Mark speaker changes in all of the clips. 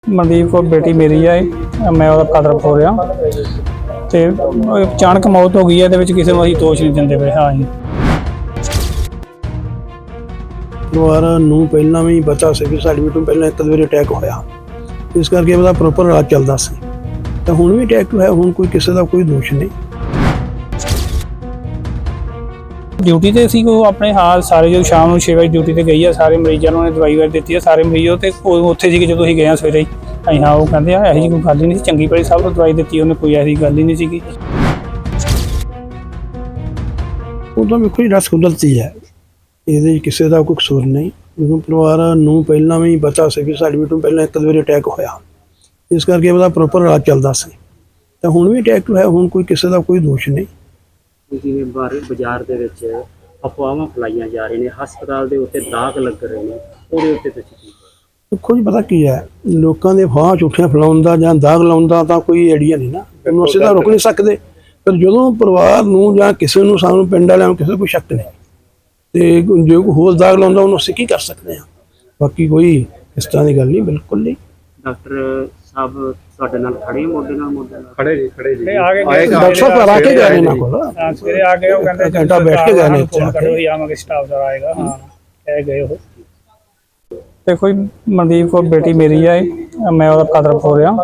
Speaker 1: ਮਨਦੀਪ ਕੌਰ ਬੇਟੀ ਮੇਰੀ ਹੈ। ਮੈਂ ਉਹਦਾ ਫਾਦਰ ਹੋ ਰਿਹਾ ਤੇ ਅਚਾਨਕ ਮੌਤ ਹੋ ਗਈ ਹੈ। ਇਹਦੇ ਵਿੱਚ ਕਿਸੇ ਨੂੰ ਅਸੀਂ ਦੋਸ਼ ਨਹੀਂ ਦਿੰਦੇ ਪਏ। ਹਾਂ ਜੀ,
Speaker 2: ਪਰਿਵਾਰ ਨੂੰ ਪਹਿਲਾਂ ਵੀ ਪਤਾ ਸੀ ਕਿ ਸਾਡੀ ਬੇਟੀ ਨੂੰ ਪਹਿਲਾਂ ਇੱਕ ਵਾਰੀ ਅਟੈਕ ਹੋਇਆ, ਇਸ ਕਰਕੇ ਉਹਦਾ ਪ੍ਰੋਪਰ ਇਲਾਜ ਚੱਲਦਾ ਸੀ। ਤਾਂ ਹੁਣ ਵੀ ਅਟੈਕ ਹੋਇਆ, ਹੁਣ ਕੋਈ ਕਿਸੇ ਦਾ ਕੋਈ ਦੋਸ਼ ਨਹੀਂ।
Speaker 1: ਡਿਊਟੀ ਤੇ ਸੀ ਉਹ ਆਪਣੇ ਹਾਲ ਸਾਰੇ ਜਦੋਂ ਸ਼ਾਮ ਨੂੰ 6 ਵਜੇ ਡਿਊਟੀ ਤੇ ਗਈ ਆ। ਸਾਰੇ ਮਰੀਜ਼ਾਂ ਨੂੰ ਉਹਨੇ ਦਵਾਈ ਵਗੈਰਾ ਦਿੱਤੀ ਆ। ਸਾਰੇ ਮਰੀਜ਼ ਤੇ ਉੱਥੇ ਸੀ ਜਦੋਂ ਅਸੀਂ ਗਏ ਆ ਸਵੇਰੇ ਹੀ। ਅਸੀਂ ਹਾਂ ਉਹ ਕਹਿੰਦੇ ਆ ਇਹੋ ਜਿਹੀ ਕੋਈ ਗੱਲ ਹੀ ਨਹੀਂ ਸੀ, ਚੰਗੀ ਭਲੀ ਸਭ ਨੂੰ ਦਵਾਈ ਦਿੱਤੀ ਉਹਨੇ, ਕੋਈ ਐਸੀ ਗੱਲ ਹੀ ਨਹੀਂ ਸੀਗੀ।
Speaker 2: ਉਹ ਤਾਂ ਵੇਖੋ ਜੀ ਰਸ ਕੁਦਰਤੀ ਹੈ, ਇਹਦੇ ਕਿਸੇ ਦਾ ਕੋਈ ਕਸੂਰ ਨਹੀਂ। ਕਿਉਂਕਿ ਪਰਿਵਾਰ ਨੂੰ ਪਹਿਲਾਂ ਵੀ ਪਤਾ ਸੀ ਕਿ ਸਾਡੀ ਬੇਟੀ ਨੂੰ ਪਹਿਲਾਂ ਇੱਕ ਵਾਰੀ ਅਟੈਕ ਹੋਇਆ, ਇਸ ਕਰਕੇ ਉਹਦਾ ਪ੍ਰੋਪਰ ਇਲਾਜ ਚੱਲਦਾ ਸੀ। ਤਾਂ ਹੁਣ ਵੀ ਅਟੈਕ ਹੋਇਆ, ਹੁਣ ਕੋਈ ਕਿਸੇ ਦਾ ਕੋਈ ਦੋਸ਼ ਨਹੀਂ।
Speaker 3: ਜਿਵੇਂ ਬਾਜ਼ਾਰ ਦੇ ਵਿੱਚ ਅਫਵਾਹਾਂ ਫੈਲਾਈਆਂ ਜਾ ਰਹੀਆਂ ਨੇ, ਹਸਪਤਾਲ ਦੇ ਉੱਤੇ ਦਾਗ ਲੱਗ ਰਹੇ ਨੇ, ਉਹਦੇ ਉੱਤੇ ਤੁਸੀਂ ਕੀ
Speaker 2: ਦੇਖੋ ਜੀ, ਪਤਾ ਕੀ ਹੈ, ਲੋਕਾਂ ਦੇ ਅਫਵਾਹਾਂ ਝੂਠੀਆਂ ਫੈਲਾਉਣ ਦਾ ਜਾਂ ਦਾਗ ਲਾਉਣ ਦਾ ਤਾਂ ਕੋਈ ਆਈਡੀਆ ਨਹੀਂ ਨਾ, ਇਹਨੂੰ ਅਸੀਂ ਤਾਂ ਰੋਕ ਨਹੀਂ ਸਕਦੇ। ਪਰ ਜਦੋਂ ਪਰਿਵਾਰ ਨੂੰ ਜਾਂ ਕਿਸੇ ਨੂੰ, ਸਾਨੂੰ ਪਿੰਡ ਵਾਲਿਆਂ ਨੂੰ ਕਿਸੇ ਦਾ ਕੋਈ ਸ਼ੱਕ ਨਹੀਂ, ਤੇ ਜੇ ਕੋਈ ਹੋਰ ਦਾਗ ਲਾਉਂਦਾ ਉਹਨੂੰ ਅਸੀਂ ਕੀ ਕਰ ਸਕਦੇ ਹਾਂ। ਬਾਕੀ ਕੋਈ ਇਸ ਤਰ੍ਹਾਂ ਦੀ ਗੱਲ ਨਹੀਂ, ਬਿਲਕੁਲ ਨਹੀਂ।
Speaker 3: ਡਾਕਟਰ ਸਾਹਿਬ ਤੁਹਾਡੇ ਨਾਲ ਖੜੇ, ਮੋਢੇ ਨਾਲ
Speaker 1: ਖੜੇ ਜੀ ਆ ਗਏ।
Speaker 2: ਡਾਕਟਰ ਸਾਹਿਬ ਆ ਕੇ ਗਏ ਨੇ ਇਹਨਾਂ ਕੋਲ,
Speaker 1: ਸਵੇਰੇ ਆ ਗਏ। ਉਹ ਕਹਿੰਦੇ
Speaker 2: ਘੰਟਾ ਬੈਠ ਕੇ ਗਏ ਨੇ ਇੱਥੇ ਆ ਕੇ।
Speaker 1: ਆਵਾਂਗੇ, ਸਟਾਫ ਦਾ ਆਏਗਾ। ਹਾਂ ਕਹਿ ਗਏ ਉਹ। ਦੇਖੋ ਜੀ, ਮਨਦੀਪ ਕੌਰ ਬੇਟੀ ਮੇਰੀ ਹੈ। ਮੈਂ ਉਹਦਾ ਫਾਦਰ ਹੋ ਰਿਹਾ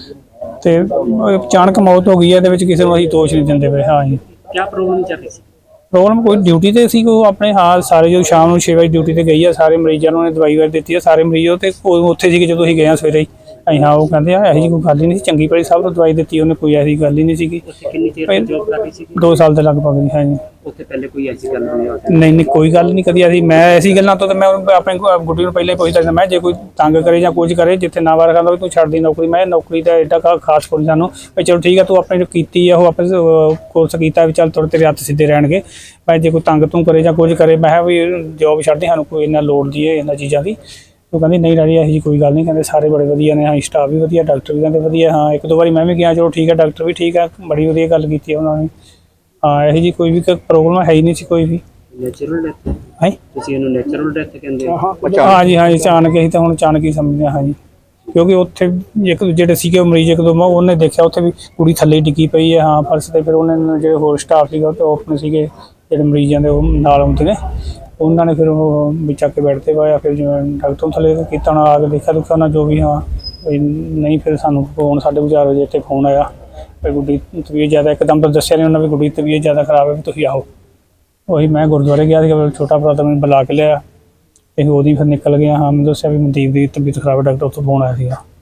Speaker 1: ਤੇ ਅਚਾਨਕ ਮੌਤ ਹੋ ਗਈ ਹੈ। ਇਹਦੇ ਵਿੱਚ ਕਿਸੇ ਨੂੰ ਅਸੀਂ ਦੋਸ਼ ਨਹੀਂ ਦਿੰਦੇ ਪਏ। ਹਾਂ ਜੀ,
Speaker 3: ਕੀ ਪ੍ਰੋਬਲਮ ਚੱਲ ਰਹੀ ਸੀ?
Speaker 1: ਪ੍ਰੋਬਲਮ ਕੋਈ ਡਿਊਟੀ ਤੇ ਸੀ ਉਹ ਆਪਣੇ ਹਾਲ ਸਾਰੇ ਜਦੋਂ ਸ਼ਾਮ ਨੂੰ 6 ਵਜੇ ਡਿਊਟੀ ਤੇ ਗਈ ਆ। ਸਾਰੇ ਮਰੀਜ਼ਾਂ ਨੂੰ ਉਹਨੇ ਦਵਾਈ ਵਗੈਰਾ ਦਿੱਤੀ ਆ। ਸਾਰੇ ਮਰੀਜ਼ ਤੇ ਉੱਥੇ ਸੀ ਜਦੋਂ ਅਸੀਂ ਗਏ ਆ ਸਵੇਰੇ ਹੀ। ਅਸੀਂ ਹਾਂ ਉਹ ਕਹਿੰਦੇ ਆ ਇਹੋ ਜਿਹੀ ਕੋਈ ਗੱਲ ਹੀ ਨਹੀਂ ਸੀ, ਚੰਗੀ ਭਲੀ ਸਭ ਨੂੰ ਦਵਾਈ ਦਿੱਤੀ ਉਹਨੇ, ਕੋਈ ਐਸੀ ਗੱਲ ਹੀ ਨਹੀਂ ਸੀਗੀ।
Speaker 3: ਕਿੰਨੀ ਚਿਰ ਜੌਬ ਕਰ ਰਹੀ ਸੀ?
Speaker 1: 2 ਸਾਲ ਦੇ ਲਗਭਗ ਜੀ। ਹਾਂ ਜੀ,
Speaker 3: ਉੱਥੇ ਪਹਿਲੇ ਕੋਈ ਐਸੀ ਗੱਲ
Speaker 1: ਨਹੀਂ ਕੋਈ ਗੱਲ ਨਹੀਂ ਕਦੀ ਅਸੀਂ। ਮੈਂ ਐਸੀ ਗੱਲਾਂ ਤੋਂ ਮੈਂ ਆਪਣੇ ਗੁੱਡੀ ਨੂੰ ਪਹਿਲਾਂ ਹੀ ਪੁੱਛਦਾ ਸੀ, ਮੈਂ ਜੇ ਕੋਈ ਤੰਗ ਕਰੇ ਜਾਂ ਕੁਝ ਕਰੇ, ਜਿੱਥੇ ਨਾ ਵਾਰ ਖਾਂਦਾ ਵੀ ਤੂੰ ਛੱਡ ਦੀ ਨੌਕਰੀ। ਮੈਂ ਨੌਕਰੀ ਦਾ ਐਡਾ ਖਾਸ ਕੋਈ ਸਾਨੂੰ ਵੀ ਚਲੋ ਠੀਕ ਆ, ਤੂੰ ਆਪਣੇ ਜੋ ਕੀਤੀ ਆ ਉਹ ਆਪਣੇ ਕੋਰਸ ਕੀਤਾ ਵੀ ਚੱਲ ਥੋੜ੍ਹੇ ਤੇਰੇ ਹੱਥ ਸਿੱਧੇ ਰਹਿਣਗੇ। ਮੈਂ ਜੇ ਕੋਈ ਤੰਗ ਤੂੰ ਕਰੇ ਜਾਂ ਕੁਝ ਕਰੇ, ਮੈਂ ਕਿਹਾ ਵੀ ਜੋਬ ਛੱਡਦੇ, ਸਾਨੂੰ ਕੋਈ ਇੰਨਾ ਲੋੜ ਦੀ ਹੈ ਇਹਨਾਂ ਚੀਜ਼ਾਂ ਦੀ। ਉਹ ਕਹਿੰਦੀ ਨਹੀਂ ਡੈਡੀ ਇਹੋ ਜਿਹੀ ਕੋਈ ਗੱਲ ਨਹੀਂ, ਕਹਿੰਦੇ ਸਾਰੇ ਬੜੇ ਵਧੀਆ ਨੇ। ਹਾਂ ਸਟਾਫ ਵੀ ਵਧੀਆ, ਡਾਕਟਰ ਵੀ ਕਹਿੰਦੇ ਵਧੀਆ। ਹਾਂ 1-2 ਵਾਰੀ ਮੈਂ ਵੀ ਗਿਆ, ਚਲੋ ਠੀਕ ਹੈ, ਡਾਕਟਰ ਵੀ ਠੀਕ ਹੈ, ਬੜੀ ਵਧੀਆ ਗੱਲ ਕੀਤੀ ਉਹਨਾਂ ਨੇ। ਹਾਂ ਇਹੋ ਜਿਹੀ ਕੋਈ ਵੀ ਪ੍ਰੋਬਲਮ ਹੈ ਹੀ ਨਹੀਂ ਸੀ ਕੋਈ ਵੀ।
Speaker 3: ਨੈਚੁਰਲ ਡੈਥ
Speaker 1: ਹੈ
Speaker 3: ਤੁਸੀਂ ਇਹਨੂੰ ਨੈਚੁਰਲ ਡੈਥ ਕਹਿੰਦੇ ਹੋ?
Speaker 1: ਹਾਂ ਜੀ, ਅਚਾਨਕ ਹੀ ਤਾਂ ਹੁਣ ਅਚਾਨਕ ਹੀ ਸਮਝਦੇ ਹਾਂ ਜੀ। ਕਿਉਂਕਿ ਉੱਥੇ ਇੱਕ ਜਿਹੜੇ ਸੀਗੇ ਮਰੀਜ਼ 1-2 ਉਹਨੇ ਦੇਖਿਆ ਉੱਥੇ ਵੀ ਕੁੜੀ ਥੱਲੇ ਡਿੱਗੀ ਪਈ ਹੈ। ਹਾਂ ਫਰਸ਼ 'ਤੇ। ਫਿਰ ਉਹਨਾਂ ਜਿਹੜੇ ਹੋਰ ਸਟਾਫ ਸੀਗਾ ਉਹ ਆਪਣੇ ਸੀਗੇ ਜਿਹੜੇ ਮਰੀਜ਼ਾਂ ਦੇ ਉਹ ਨਾਲ ਆਉਂਦੇ ਨੇ, ਉਹਨਾਂ ਨੇ ਫਿਰ ਉਹ ਵੀ ਚੱਕ ਕੇ ਬੈੱਡ 'ਤੇ ਪਾਇਆ। ਫਿਰ ਜਿਵੇਂ ਡਾਕਟਰ ਨੂੰ ਥੱਲੇ ਕੀਤਾ, ਉਹਨਾਂ ਆ ਕੇ ਦੇਖਿਆ ਉਹਨਾਂ ਜੋ ਵੀ। ਹਾਂ ਨਹੀਂ ਫਿਰ ਸਾਨੂੰ ਫੋਨ 4:30 ਵਜੇ ਇੱਥੇ ਫੋਨ ਆਇਆ ਵੀ ਗੁੱਡੀ ਤਬੀਅਤ ਜ਼ਿਆਦਾ, ਇੱਕਦਮ ਤਾਂ ਦੱਸਿਆ ਨਹੀਂ ਉਹਨਾਂ ਵੀ ਗੁੱਡੀ ਤਬੀਅਤ ਜ਼ਿਆਦਾ ਖਰਾਬ ਹੈ ਵੀ ਤੁਸੀਂ ਆਓ। ਉਹੀ ਮੈਂ ਗੁਰਦੁਆਰੇ ਗਿਆ ਸੀਗਾ, ਛੋਟਾ ਭਰਾ ਤਾਂ ਮੈਨੂੰ ਬੁਲਾ ਕੇ ਲਿਆ। ਇਹ ਉਹਦੀ ਫਿਰ ਨਿਕਲ ਗਿਆ। ਹਾਂ ਮੈਨੂੰ ਦੱਸਿਆ ਵੀ ਮਨਦੀਪ ਦੀ ਤਬੀਅਤ ਖਰਾਬ ਹੈ, ਡਾਕਟਰ ਉੱਥੋਂ ਫੋਨ ਆਇਆ ਸੀਗਾ।